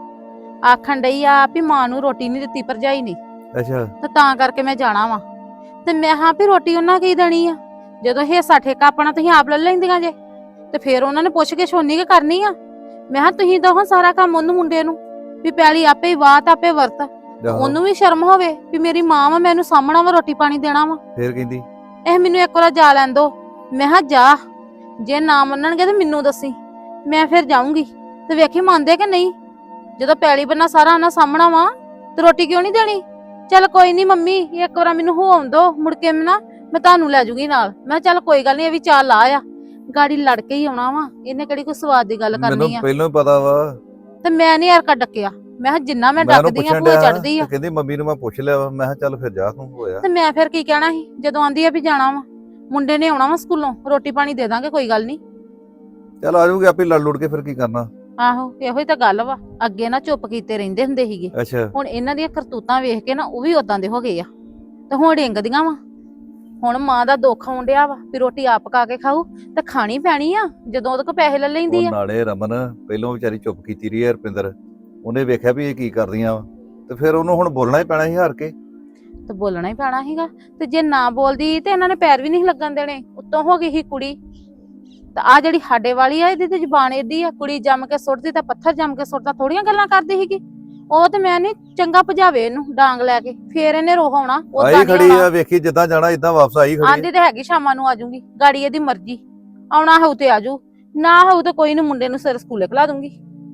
A: ਆਖਣ ਡਈ ਆ ਵੀ ਮਾਂ ਨੂੰ ਰੋਟੀ ਨਹੀਂ ਦਿੱਤੀ ਭਰਜਾਈ ਨੇ,
B: ਅੱਛਾ
A: ਤੇ ਤਾਂ ਕਰਕੇ ਮੈਂ ਜਾਣਾ ਵਾ। ਤੇ ਮੈਂ ਹਾਂ ਵੀ ਰੋਟੀ ਉਹਨਾਂ ਕੀ ਦੇਣੀ ਆ, ਜਦੋਂ ਹਿੱਸਾ ਠੇਕਾ ਆਪਣਾ ਤੁਸੀਂ ਆਪ ਲੈ ਲੈਂਦੀਆਂ ਜੇ, ਤੇ ਫਿਰ ਉਹਨਾਂ ਨੇ ਪੁੱਛ ਕੇ ਛੋਨੀ ਕੇ ਕਰਨੀ ਆ। ਮੈਂ ਹਾਂ ਤੁਸੀਂ ਦੋ ਸਾਰਾ ਕੰਮ ਉਹਨੂੰ ਮੁੰਡੇ ਨੂੰ, ਵੀ ਪੈਲੀ ਆਪੇ ਹੀ ਬਾਤ ਆਪੇ ਵਰਤ, ਉਹਨੂੰ ਵੀ ਸ਼ਰਮ ਹੋਵੇ ਵੀ ਮੇਰੀ ਮਾਂ ਵਾ, ਮੈਨੂੰ ਸਾਹਮਣਾ ਵਾ, ਰੋਟੀ ਪਾਣੀ ਦੇਣਾ ਵਾ।
B: ਫੇਰ ਕਹਿੰਦੀ
A: ਇਹ ਮੈਨੂੰ ਇੱਕ ਵਾਰ ਜਾ ਲੈਣ ਦੋ। ਮੈਂ ਹਾਂ ਜਾ, ਜੇ ਨਾ ਮੰਨਣਗੇ ਤੇ ਮੈਨੂੰ ਦੱਸੀ, ਮੈਂ ਫਿਰ ਜਾਊਂਗੀ ਤੇ ਵੇਖੀ ਮੰਨਦੇ ਕਿ ਨਹੀਂ। ਜਦੋਂ ਪੈਲੀ ਬੰਨਾ ਸਾਰਾ ਉਹਨਾਂ ਸਾਹਮਣਾ ਵਾ ਤੇ ਰੋਟੀ ਕਿਉਂ ਨਹੀਂ ਦੇਣੀ? ਚੱਲ ਕੋਈ ਨਹੀਂ ਮੰਮੀ, ਇੱਕ ਵਾਰ ਮੈਨੂੰ ਹੋ ਆਉਂਦੋ, ਮੁੜ ਕੇ ਮੈਂ ਨਾ ਮੈਂ ਤੁਹਾਨੂੰ ਲੈ ਜੂਗੀ ਨਾਲ। ਮੈਂ ਚੱਲ ਕੋਈ ਗੱਲ ਨਹੀਂ, ਇਹ ਵੀ ਚਾਲ ਆ ਆ, ਗਾੜੀ ਲੜ ਕੇ ਹੀ ਆਉਣਾ ਵਾ, ਇਹਨੇ ਕਿਹੜੀ ਕੋਈ ਸਵਾਦ ਦੀ ਗੱਲ ਕਰਨੀ
B: ਮੈਨੂੰ
A: ਆ।
B: ਪਹਿਲਾਂ ਹੀ ਪਤਾ ਵਾ,
A: ਤੇ ਮੈਂ ਨਹੀਂ ਯਾਰ ਡੱਕਿਆ, ਮੈਂ ਕਿਹਾ ਜਿੰਨਾ ਮੈਂ ਡੱਕਦੀ ਆ ਭੂਏ ਚੜਦੀ ਆ।
B: ਕਹਿੰਦੀ ਮੰਮੀ ਨੂੰ ਮੈਂ ਪੁੱਛ ਲਿਆ ਵਾ, ਮੈਂ ਕਿਹਾ ਚੱਲ ਫਿਰ ਜਾ ਤੂੰ ਹੋਇਆ।
A: ਤੇ ਮੈਂ ਫਿਰ ਕੀ ਕਹਿਣਾ ਸੀ, ਜਦੋਂ ਆਂਦੀ ਆ ਵੀ ਜਾਣਾ ਵਾ, ਮੁੰਡੇ ਨੇ ਆਉਣਾ ਵਾ ਸਕੂਲੋਂ, ਰੋਟੀ ਪਾਣੀ ਦੇ ਦਾਂਗੇ, ਕੋਈ ਗੱਲ ਨਹੀਂ।
B: ਚੱਲ ਆ ਜਾਊਗੀ ਆਪੇ, ਲੜ ਲੁੜ ਕੇ ਫਿਰ ਕੀ ਕਰਨਾ।
A: ਆਹੋ ਇਹੋ ਹੀ ਤਾਂ ਗੱਲ ਵਾ, ਅੱਗੇ ਨਾ ਚੁੱਪ ਕੀਤੇ ਰਹਿੰਦੇ ਹੁੰਦੇ ਸੀਗੇ,
B: ਅੱਛਾ
A: ਹੁਣ ਇਹਨਾਂ ਦੀਆਂ ਕਰਤੂਤਾਂ ਵੇਖ ਕੇ ਨਾ ਉਹ ਵੀ ਉਦਾਂ ਦੇ ਹੋ ਗਏ ਆ, ਤੇ ਹੁਣ ਡਿੰਗਦੀਆਂ ਵਾ। ਹੁਣ ਮਾਂ ਦਾ ਦੁੱਖ ਆਉਣ ਡਿਆ ਵਾ ਵੀ ਰੋਟੀ ਆਪ ਪਕਾ ਕੇ ਖਾਊ, ਤੇ ਖਾਣੀ ਪੈਣੀ ਆ ਜਦੋਂ ਉਹਦੇ ਕੋਲ ਪੈਸੇ ਲੈ ਲੈਂਦੀ
B: ਉਹ
A: ਆ।
B: ਨਾਲੇ ਰਮਨ ਪਹਿਲਾਂ ਵਿਚਾਰੀ ਚੁੱਪ ਕੀਤੀ ਰਹੀ ਹੈ ਰੁਪਿੰਦਰ, ਉਹਨੇ ਵੇਖਿਆ ਵੀ ਇਹ ਕੀ ਕਰਦੀਆਂ ਵਾ, ਤੇ ਫਿਰ ਉਹਨੂੰ ਹੁਣ ਬੋਲਣਾ ਹੀ ਪੈਣਾ ਸੀ ਹਾਰ ਕੇ।
A: ਤੇ ਬੋਲਣਾ ਹੀ ਪੈਣਾ ਸੀਗਾ, ਤੇ ਜੇ ਨਾ ਬੋਲਦੀ ਤੇ ਇਹਨਾਂ ਨੇ ਪੈਰ ਵੀ ਨਹੀਂ ਲੱਗਣ ਦੇਣੇ। ਉੱਤੋਂ ਹੋ ਗਈ ਸੀ ਕੁੜੀ, ਤੇ ਆ ਜਿਹੜੀ ਸਾਡੇ ਵਾਲੀ ਆ, ਇਹਦੀ ਤੇ ਜ਼ੁਬਾਨ ਏਡੀ ਆ, ਕੁੜੀ ਜੰਮ ਕੇ ਸੁੱਟਦੀ ਤਾਂ ਪੱਥਰ ਜੰਮ ਕੇ ਸੁੱਟਦਾ, ਥੋੜੀਆਂ ਗੱਲਾਂ ਕਰਦੀ ਸੀਗੀ ਉਹ। ਤੇ ਮੈਂ ਨਹੀਂ ਚੰਗਾ ਭਜਾਵੇ ਇਹਨੂੰ ਡਾਂਗ ਲੈ ਕੇ, ਫੇਰ ਇਹਨੇ ਰੋਹ ਆਉਣਾ।
B: ਆਈ ਖੜੀ ਆ, ਵੇਖੀ ਜਿੱਦਾਂ ਜਾਣਾ ਇਦਾਂ ਵਾਪਸ ਆਈ ਖੜੀ।
A: ਆਂਦੀ ਤੇ ਹੈਗੀ ਸ਼ਾਮਾਂ ਨੂੰ ਆਜੂਗੀ, ਗਾੜੀ ਇਹਦੀ ਮਰਜ਼ੀ, ਆਉਣਾ ਹੋਊ ਤੇ ਆਜੂ, ਨਾ ਹੋਊ ਤੇ ਕੋਈ ਨੀ, ਮੁੰਡੇ ਨੂੰ ਸਿਰ ਸਕੂਲੇ ਖਲਾ ਦੂੰਗੀ।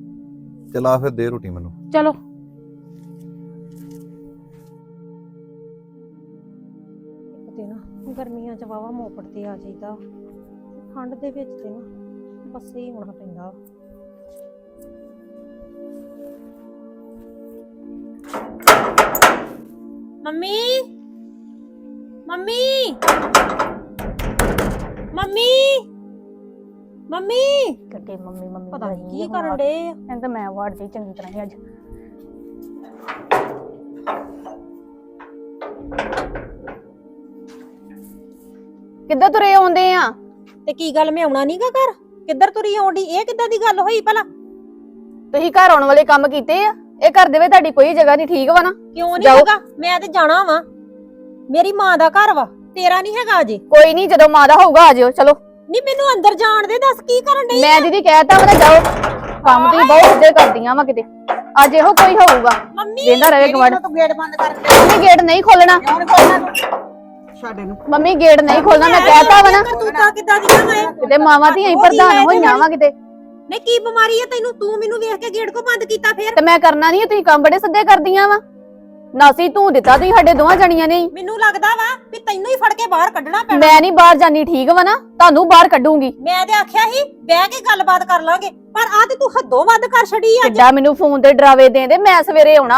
B: ਚਲਾ ਫਿਰ ਦੇ ਰੋਟੀ ਮੈਨੂੰ।
A: ਚਲੋ
C: ਤੇ ਨਾ ਗਰਮੀਆਂ ਚ ਵਾਵਾ ਮੋਪੜ ਤੇ ਆ ਜਾਈਦਾ, ਠੰਡ ਦੇ ਵਿੱਚ ਤੇ ਨਾ ਬੱਸੇ ਹੀ ਹੋਣਾ ਪੈਂਦਾ। ਮੰਮੀ ਮੰਮੀ ਮੰਮੀ ਮੰਮੀ
D: ਕੱਟੇ ਮੰਮੀ ਮੰਮੀ
C: ਪਤਾ ਨਹੀਂ ਕੀ ਕਰਨ ਡੇ ਆ।
D: ਮੈਂ ਤਾਂ ਮੈਂ ਵਾੜਦੀ ਚੰਗੀ ਤਰ੍ਹਾਂ ਹੀ ਅੱਜ। ਕਿੱਦਾਂ ਤੁਰੇ ਆਉਂਦੇ ਆ?
C: ਤੇ ਕੀ ਗੱਲ, ਮੈਂ ਆਉਣਾ ਨਹੀਂਗਾ ਘਰ? ਕਿੱਧਰ ਤੁਰੀ ਆਉਂਦੀ? ਇਹ ਕਿੱਦਾਂ ਦੀ ਗੱਲ ਹੋਈ ਭਲਾ?
D: ਤੁਸੀਂ ਘਰ ਆਉਣ ਵਾਲੇ ਕੰਮ ਕੀਤੇ ਆ? ਇਹ ਘਰ ਦੇ ਵਿੱਚ ਤੁਹਾਡੀ ਕੋਈ ਜਗ੍ਹਾ ਨਹੀਂ, ਠੀਕ ਵਾ ਨਾ?
C: ਕਿਉਂ ਨਹੀਂ ਹੈਗਾ? ਮੈਂ ਤੇ ਜਾਣਾ ਵਾ, ਮੇਰੀ ਮਾਂ ਦਾ ਘਰ ਵਾ, ਤੇਰਾ ਨਹੀਂ ਹੈਗਾ ਅਜੇ।
D: ਕੋਈ ਨਹੀਂ, ਜਦੋਂ ਮਾਂ ਦਾ ਹੋਊਗਾ ਆ ਜਿਓ। ਚਲੋ
C: ਨਹੀਂ ਮੈਨੂੰ ਅੰਦਰ ਜਾਣ ਦੇ, ਦੱਸ ਕੀ ਕਰਨ ਡਈ?
D: ਮੈਂ ਦੀਦੀ ਕਹਿਤਾ ਵਾ ਨਾ ਜਾਓ, ਕੰਮ ਤੁਸੀਂ ਬਹੁਤ ਇੱਜ਼ਤ ਕਰਦੀਆਂ ਵਾ ਕਿਤੇ। ਅੱਜ ਇਹੋ ਕੋਈ ਹੋਊਗਾ,
C: ਮੰਮੀ
D: ਵੇਂਦਾ ਰਹੇ ਗਵੜ।
C: ਤੂੰ ਗੇਟ ਬੰਦ ਕਰ ਦੇ।
D: ਮੰਮੀ ਗੇਟ ਨਹੀਂ ਖੋਲਣਾ,
C: ਛੱਡ ਇਹਨੂੰ।
D: ਮੰਮੀ ਗੇਟ ਨਹੀਂ ਖੋਲਣਾ, ਮੈਂ ਕਹਿਤਾ ਵਾ ਨਾ।
C: ਤੂੰ ਤਾਂ ਕਿੱਦਾਂ ਦੀਆਂ ਵਾ?
D: ਕਿਤੇ ਮਾਵਾਂ ਧੀਆਂ ਹੀ ਪ੍ਰਧਾਨ ਹੋਈਆਂ ਵਾ ਕਿਤੇ।
C: ਨਹੀਂ ਕੀ ਬਿਮਾਰੀ ਹੈ ਤੈਨੂੰ? ਤੂੰ ਮੈਨੂੰ ਵੇਖ ਕੇ ਗੇਟ ਕੋ ਬੰਦ ਕੀਤਾ ਫੇਰ?
D: ਤੇ ਮੈਂ ਕਰਨਾ ਨਹੀਂ, ਤੁਸੀਂ ਕੰਮ ਬੜੇ ਸਿੱਧੇ ਕਰਦੀਆਂ ਵਾ। ਨਾਸੀ ਤੂੰ ਦਿੱਤਾ ਤੁਸੀਂ ਸਾਡੇ ਦੋਵਾਂ ਜਣੀਆਂ ਨੇ।
C: ਮੈਨੂੰ ਲੱਗਦਾ ਵਾ ਵੀ ਤੈਨੂੰ ਹੀ ਫੜ ਕੇ ਬਾਹਰ ਕੱਢਣਾ ਪੈਣਾ।
D: ਮੈਂ ਨਹੀਂ ਬਾਹਰ ਜਾਨੀ, ਠੀਕ ਵਾ ਨਾ? ਤੁਹਾਨੂੰ ਬਾਹਰ ਕੱਢੂੰਗੀ।
C: ਮੈਂ ਤੇ ਆਖਿਆ ਸੀ ਬਹਿ ਕੇ ਗੱਲਬਾਤ ਕਰ ਲਾਂਗੇ, ਪਰ ਆ ਤੇ ਤੂੰ ਹੱਦੋਂ ਵੱਧ ਕਰ ਛੜੀ ਅੱਜ।
D: ਕਿੱਡਾ ਮੈਨੂੰ ਫੋਨ ਤੇ ਡਰਾਵੇ ਦੇਂਦੇ, ਮੈਂ ਸਵੇਰੇ ਆਉਣਾ ਹੈ।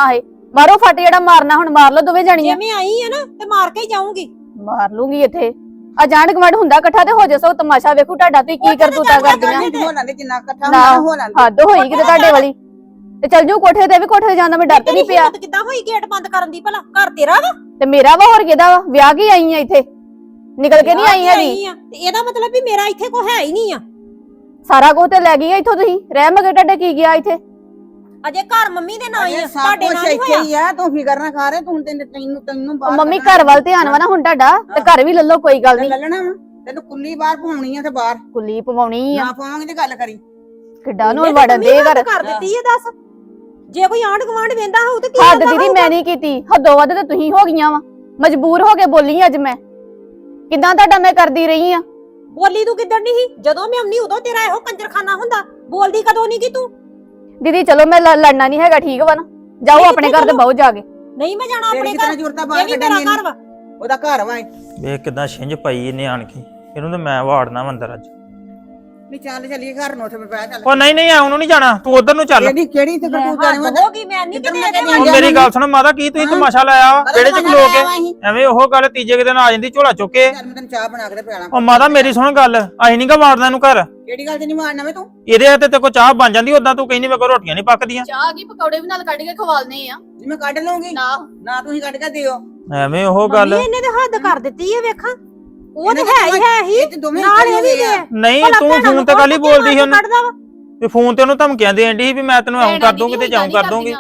D: ਮਾਰੋ ਫੱਟ ਜਿਹੜਾ ਮਾਰਨਾ ਹੁਣ ਮਾਰ ਲਓ ਦੋਵੇਂ
C: ਜੇ
D: ਜਾਣੀਆਂ।
C: ਮੈਂ ਆਈ ਆ ਨਾ ਤੇ ਮਾਰ ਕੇ ਹੀ ਜਾਊਂਗੀ।
D: ਮਾਰ ਲੂੰਗੀ ਇੱਥੇ ਆ ਜਾਣ ਗਵੜ ਹੁੰਦਾ ਇਕੱਠਾ ਤੇ ਹੋ ਜਾ ਸੋ ਤਮਾਸ਼ਾ ਵੇਖੂ ਤੁਹਾਡਾ ਤੁਸੀਂ ਕੀ ਕਰਤੂਤਾ ਕਰਦੀਆਂ।
E: ਹੋਣਾ ਦੇ ਜਿੰਨਾ ਇਕੱਠਾ
D: ਨਾ
E: ਹੋਣਾ ਹੋਣਾ ਦੇ।
D: ਹੱਦ ਹੋਈ ਕਿਤੇ ਤੁਹਾਡੇ ਵਾਲੀ। ਤੇ ਚੱਲ ਜਾਊ ਕੋਠੇ ਤੇ ਵੀ ਕੋਠੇ ਤੇ ਜਾਂਦਾ ਮੈਂ ਡਰ ਤੇ ਨਹੀਂ ਪਿਆ।
C: ਹਿੰਮਤ ਕਿੱਦਾਂ ਹੋਈ ਗੇਟ ਬੰਦ ਕਰਨ ਦੀ ਭਲਾ? ਘਰ ਤੇਰਾ ਵਾ?
D: ਤੇ ਮੇਰਾ ਵਾ ਹੋਰ ਕਿਹਦਾ ਵਾ? ਵਿਆਹ ਕੀ ਆਈ ਆ ਇੱਥੇ, ਨਿਕਲ ਕੇ ਨਹੀਂ ਆਈ ਹੈਗੀ।
C: ਆ ਤੇ ਇਹਦਾ ਮਤਲਬ ਵੀ ਮੇਰਾ ਇੱਥੇ ਕੋਈ ਹੈ ਹੀ ਨਹੀਂ ਆ।
D: ਸਾਰਾ ਕੁਝ ਤੇ ਲੈ ਗਈ ਆ ਇੱਥੋਂ ਤੁਸੀਂ। ਰਹਿ ਮਗੇ ਤੁਹਾਡੇ ਕੀ ਗਿਆ ਇੱਥੇ?
C: ਅਜੇ ਘਰ ਮੰਮੀ ਦੇ ਨਾਂ ਹੀ ਆ,
E: ਅਜੇ ਸਭ
C: ਤੁਹਾਡੇ
E: ਕੁਛ
C: ਨਾਂ ਨਹੀਂ
E: ਇੱਥੇ
C: ਹੋਇਆ।
E: ਹੀ ਆ, ਤੂੰ ਫਿਕਰ ਨਾ ਕਰ ਤੂੰ ਤੈਨੂੰ ਤੈਨੂੰ ਤੈਨੂੰ
D: ਉਹ
E: ਬਾਹਰ
D: ਮੰਮੀ
E: ਕੱਢਣਾ।
D: ਘਰ ਵੱਲ ਧਿਆਨ ਵਾ ਨਾ ਹੁਣ ਤੁਹਾਡਾ, ਤੇ ਘਰ ਵੀ ਲੱਲੋ ਕੋਈ ਗੱਲ
E: ਤੇ
D: ਨਹੀਂ।
E: ਲੱਲਣਾ ਵਾ ਤੈਨੂੰ ਕੁੱਲੀ ਬਾਹਰ ਪਾਉਣੀ ਆ ਤੇ ਬਾਹਰ
D: ਕੁੱਲੀ ਪਵਾਉਣੀ ਆ।
E: ਨਾ ਪਾਵਾਂਗੇ ਤੇ ਗੱਲ ਕਰੀ।
D: ਕਿੱਡਾ ਨੂੰ
C: ਇਹਨੇ ਤਾਂ
D: ਵੜਨ ਦੇ
C: ਮੰਮੀ
D: ਘਰ।
C: ਹੱਦ ਕਰ ਦਿੱਤੀ ਇਹ ਦੱਸ। ਜੇ ਕੋਈ ਆਂਢ ਗੁਆਂਢ ਵੇਂਦਾ ਹੋਊ ਤੇ ਕੀ
D: ਹੱਦ
C: ਕਹਿੰਦਾ
D: ਦੀਦੀ
C: ਹੋਊਗਾ?
D: ਮੈਂ ਨਹੀਂ ਕੀਤੀ, ਹੱਦੋਂ ਵੱਧ ਤੇ ਤੁਸੀਂ ਹੋ ਗਈਆਂ ਵਾ। ਮਜਬੂਰ ਹੋ ਕੇ ਬੋਲੀ ਅੱਜ ਮੈਂ। ਕਿੱਦਾਂ ਤੁਹਾਡਾ ਮੈਂ ਕਰਦੀ ਰਹੀ ਆ।
C: ਬੋਲੀ ਤੂੰ ਕਿੱਧਰ ਨਹੀਂ ਸੀ? ਜਦੋਂ ਮੈਂ ਆਉਣੀ ਉਦੋਂ ਤੇਰਾ ਇਹੋ ਕੰਜਰਖਾਨਾ ਹੁੰਦਾ। ਬੋਲਦੀ ਕਦੋਂ ਨਹੀਂ ਕੀ ਤੂੰ?
D: ਦੀਦੀ ਚਲੋ ਮੈਂ ਲ- ਲੜਨਾ ਨਹੀਂ ਹੈਗਾ, ਠੀਕ ਵਾ ਨਾ? ਜਾਓ
C: ਨਹੀਂ,
D: ਆਪਣੇ
C: ਕਿੱਥੇ
D: ਘਰ ਤੇ
C: ਚਲੋ?
D: ਬਹੁ ਜਾ ਕੇ।
C: ਨਹੀਂ ਮੈਂ ਜਾਣਾ
E: ਤੇਰੀ
C: ਆਪਣੇ
E: ਕਿਤਨਾ
C: ਘਰ।
E: ਜ਼ਰੂਰਤਾਂ
C: ਇਹ
E: ਬਾਹਰ
C: ਵੀ ਮੇਰਾ
E: ਕੱਢਣੀ
C: ਘਰ ਵਾ।
E: ਉਹਦਾ ਘਰ ਵਾ ਇਹ।
F: ਵੇਖ ਕਿਦਾਂ ਛਿੰਝ ਪਈ ਇਹਨੇ ਆਣ ਕੇ। ਇਹਨੂੰ ਤੇ ਮੈਂ ਵਾੜਨਾ ਵਾ ਅੰਦਰ ਅੱਜ।
E: ਨਹੀਂ ਚੱਲ ਚੱਲੀਏ ਘਰ ਨੂੰ ਉੱਥੇ ਬਹਿ ਚੱਲ।
F: ਉਹ ਨਹੀਂ ਨਹੀਂ ਆਉਣ ਨੂੰ ਨਹੀਂ ਜਾਣਾ, ਤੂੰ ਉਧਰ ਨੂੰ ਚੱਲ।
E: ਕਿਹੜੀ ਕਿਹੜੀ ਤੇ ਤੂੰ ਜਾਣੀ ਵਾ?
C: ਹੱਦ ਹੋ ਗਈ, ਮੈਂ ਨਹੀਂ
E: ਕਿੱਧਰ
C: ਕਿਤੇ
E: ਮੈਂ
C: ਇਹਦੇ
E: ਕਹਿੰਦੀ
F: ਉਹ
C: ਵੱਲ
F: ਮੇਰੀ ਗੱਲ ਸੁਣ ਮਾਤਾ, ਕੀ ਤੁਸੀਂ ਤਮਾਸ਼ਾ ਲਾਇਆ ਵਾ ਵਿਹੜੇ ਚ ਖਲੋ ਕੇ?
E: ਅਸੀਂ।
F: ਐਵੇਂ ਉਹ ਗੱਲ ਤੀਜੇ ਕੁ ਦਿਨ ਆ ਜਾਂਦੀ ਝੋਲਾ ਚੁੱਕ ਕੇ।
E: ਚੱਲ ਮੈਂ ਤੈਨੂੰ ਚਾਹ ਬਣਾ ਕੇ ਤੇ ਪਿਆਲਾਂ।
F: ਉਹ ਮਾਤਾ ਮੇਰੀ ਸੁਣ ਗੱਲ, ਅਸੀਂ ਨੀ ਗਾ ਵਾੜਨਾ ਇਹਨੂੰ ਘਰ।
E: ਕਿਹੜੀ ਗੱਲ ਤੇ ਨਹੀਂ ਮਾਰਨਾ ਵੇ ਤੂੰ?
F: ਇਹਦੇ ਹੱਥੇ ਤੇ ਕੋ ਚਾਹ ਬਣ ਜਾਂਦੀ, ਉਦਾਂ ਤੂੰ ਕਹਿੰਦੀ ਮੇਰੇ ਕੋਲ ਰੋਟੀਆਂ ਨਹੀਂ ਪੱਕਦੀਆਂ।
D: ਚਾਹ ਕੀ ਪਕੌੜੇ ਵੀ ਨਾਲ ਕੱਢ ਕੇ ਖਵਾਲਨੇ ਆ।
E: ਜੀ ਮੈਂ ਕੱਢ ਲਵਾਂਗੀ
D: ਨਾ
E: ਨਾ ਤੁਸੀਂ ਕੱਢ ਕੇ ਦਿਓ।
F: ਐਵੇਂ ਉਹ ਗੱਲ।
C: ਮੰਮੀ ਇਹਨੇ ਤੇ ਹੱਦ ਕਰ ਦਿੱਤੀ ਹੈ ਵੇਖਾਂ। ਉਹ ਤੇ
E: ਇਹਨੇ
C: ਹੈ ਹੀ ਹੈ ਹੀ
E: ਇਹ ਤੇ ਦੋਵੇਂ
C: ਨਾਲ ਇਹ ਵੀ
E: ਇੱਕੋ ਹੀ ਆ।
C: ਦੇ।
F: ਨਹੀਂ
C: ਭਲਾ
F: ਤੂੰ
C: ਭੈਣਾਂ
F: ਫੋਨ
C: ਨੂੰ
F: ਤੇ ਕੱਲ ਹੀ
C: ਕੌਣ
F: ਬੋਲਦੀ ਸੀ ਉਹਨੂੰ
C: ਕੱਢਦਾ ਵਾ?
F: ਤੇ ਫੋਨ ਤੇ ਉਹਨੂੰ ਧਮਕੀਆਂ ਦੇਣ ਦੀ ਸੀ ਵੀ ਮੈਂ ਤੈਨੂੰ ਐਂ ਕਰ ਦੂੰਗੀ ਤੇ ਜਾਉਂ ਕਰ ਦੂੰਗੀ।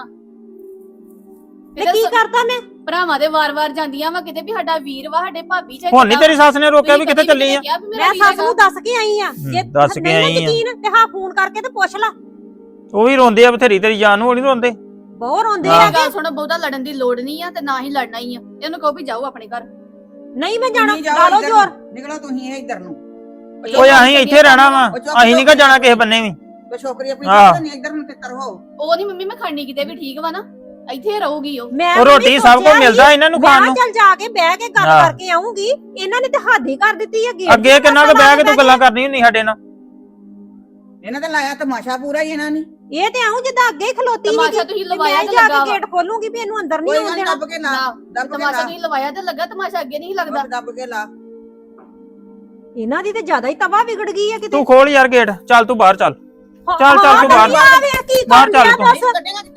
C: ਤੇ ਕੀ ਕਰਦਾ ਮੈਂ?
D: ਭਰਾਵਾਂ ਦੇ ਵਾਰ-ਵਾਰ ਜਾਂਦੀਆਂ ਵਾ ਕਿਤੇ ਵੀ ਸਾਡਾ ਵੀਰ ਵਾ, ਸਾਡੇ ਭਾਬੀ ਚਾਚਾ।
F: ਹੁਣ ਨਹੀਂ ਤੇਰੀ ਸੱਸ ਨੇ ਰੋਕਿਆ ਵੀ ਕਿੱਥੇ ਚੱਲੀ ਆ?
C: ਮੈਂ ਸੱਸ ਨੂੰ ਦੱਸ ਕੇ ਆਈ ਆ। ਜੇ
F: ਦੱਸ ਕੇ
C: ਨਹੀਂ ਨਾ
F: ਆਈ ਆ।
C: ਯਕੀਨ ਤੇ ਹਾਂ ਫੋਨ ਕਰਕੇ ਤੇ ਪੁੱਛ ਲਾ।
F: ਉਹ ਵੀ ਰੋਂਦੇ ਆ ਬਥੇਰੀ ਤੇਰੀ ਜਾਨ ਨੂੰ, ਉਹ ਨਹੀਂ ਰੋਂਦੇ।
C: ਬਹੁਤ ਰੋਂਦੇ
F: ਹਾਂ।
C: ਆ।
D: ਗੱਲ ਸੁਣੋ, ਬਹੁਤਾ ਲੜਨ ਦੀ ਲੋੜ ਨਹੀਂ ਆ ਤੇ ਨਾ ਹੀ ਲੜਨਾ ਹੀ ਆ। ਇਹਨੂੰ ਕਹੋ ਵੀ ਜਾਓ ਆਪਣੇ ਘਰ।
C: ਨਹੀਂ ਮੈਂ ਜਾਣਾ,
E: ਤੁਸੀਂ ਜਾਓ
C: ਲਾ ਲਓ
E: ਇੱਧਰ
C: ਜ਼ੋਰ।
E: ਨੂੰ। ਨਿਕਲੋ ਤੁਸੀਂ ਇਹ ਇੱਧਰ ਨੂੰ।
F: ਓਏ ਅਸੀਂ ਇੱਥੇ ਰਹਿਣਾ ਵਾ,
E: ਉਹ ਚੁੱਪ
F: ਅਸੀਂ ਨਹੀਂ ਗਾ ਜਾਣਾ ਕਿਸੇ ਬੰਨੇ ਵੀ।
E: ਤੇ ਛੋਕਰੀ ਆਪਣੀ
F: ਹਾਂ।
E: ਚੁੱਕ ਨਹੀਂ ਇੱਧਰ ਨੂੰ ਤਿੱਤਰ ਹੋ।
D: ਉਹ ਨਹੀਂ ਮੰਮੀ ਮੈਂ ਖੜਨੀ ਕਿਤੇ ਵੀ, ਠੀਕ ਵਾ ਨਾ? ਇੱਥੇ ਰਹੂਗੀ ਉਹ।
C: ਮੈਂ
F: ਉਹ
C: ਤਾਂ
F: ਰੋਟੀ
C: ਵੀ
F: ਸਭ
C: ਸੋਚਿਆ
F: ਕੁਝ ਮਿਲਦਾ ਇਹਨਾਂ ਨੂੰ
C: ਮੈਂ
F: ਖਾਣ
C: ਕਿਹਾ
F: ਨੂੰ।
C: ਚੱਲ ਜਾ ਕੇ ਬਹਿ ਕੇ ਗੱਲ
F: ਹਾਂ।
C: ਕਰਕੇ ਆਉਂਗੀ। ਇਹਨਾਂ ਨੇ ਤੇ ਹੱਦ ਹੀ ਕਰ ਦਿੱਤੀ ਹੈ ਗੇਟ
F: ਅੱਗੇ ਕਿੰਨਾ ਕੁ ਬਹਿ ਕੇ ਤੂੰ ਗੱਲਾਂ ਕਰਨੀ ਹੁੰਦੀ ਸਾਡੇ ਨਾਲ।
E: ਇਹਨਾਂ ਤੇ ਲਾਇਆ ਤਮਾਸ਼ਾ ਪੂਰਾ ਹੀ ਇਹਨਾਂ ਨੇ।
C: ਇਹ ਤੇ ਆਉਂ ਜਿੱਦਾਂ ਅੱਗੇ ਹੀ ਖਲੋਤੀ
D: ਤਮਾਸ਼ਾ
C: ਸੀਗੀ
D: ਤੁਸੀਂ
C: ਵੀ
D: ਲਵਾਇਆ
C: ਮੈਂ
D: ਤੇ
C: ਜਾ
D: ਲੱਗਾ
C: ਕੇ
D: ਵਾ।
C: ਗੇਟ ਖੋਲੂੰਗੀ ਵੀ ਇਹਨੂੰ ਅੰਦਰ ਨਹੀਂ
E: ਕੋਈ
C: ਆਉਣ
E: ਗੱਲ
C: ਦੇਣਾ।
E: ਦੱਬ ਕੇ ਲਾ
D: ਨਾ,
E: ਦੱਬ ਕੇ
D: ਤਮਾਸ਼ਾ
E: ਲਾ
D: ਤੁਸੀਂ ਲਵਾਇਆ ਤੇ ਲੱਗਾ, ਤਮਾਸ਼ਾ ਅੱਗੇ ਨਹੀਂ ਲੱਗਦਾ।
E: ਦੱਬ ਕੇ ਲਾ।
C: ਇਹਨਾਂ ਦੀ ਤੇ ਜ਼ਿਆਦਾ ਹੀ ਤਵਾ ਵਿਗੜ ਗਈ ਹੈ ਕਿਤੇ।
F: ਤੂੰ ਖੋਲ ਯਾਰ ਗੇਟ, ਚੱਲ ਤੂੰ ਬਾਹਰ ਚੱਲ। ਚੱਲ ਚੱਲ ਤੂੰ ਬਾਹਰ
C: ਆ ਵੇ ਕੀ
F: ਬਾਹਰ
C: ਕਰ
F: ਚੱਲ
C: ਲਿਆ
F: ਤੂੰ।
C: ਦੱਸ।
E: ਕੱਢੇਗਾ